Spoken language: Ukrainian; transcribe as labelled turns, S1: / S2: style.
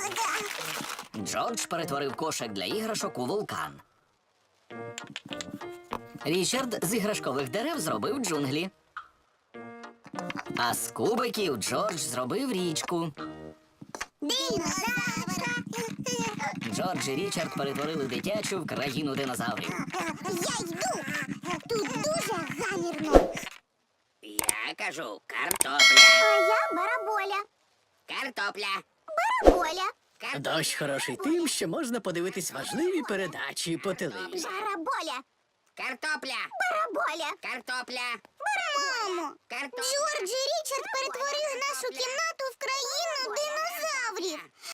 S1: Джордж перетворив кошик для іграшок у вулкан. Річард з іграшкових дерев зробив джунглі. А з кубиків Джордж зробив річку.
S2: Динозавра.
S1: Джордж і Річард перетворили дитячу в країну динозаврів.
S2: Я йду. Тут дуже гамірно.
S3: Я кажу картопля.
S2: А я бараболя.
S3: Картопля.
S2: Бараболя.
S4: Дощ хороший тим, що можна подивитись важливі передачі по телевізору.
S2: Бараболя.
S3: Картопля.
S2: Бараболя.
S3: Картопля.
S2: Мамо.
S3: Картопля.
S2: Джордж і Річард перетворили нашу кімнату в країну динозаврів.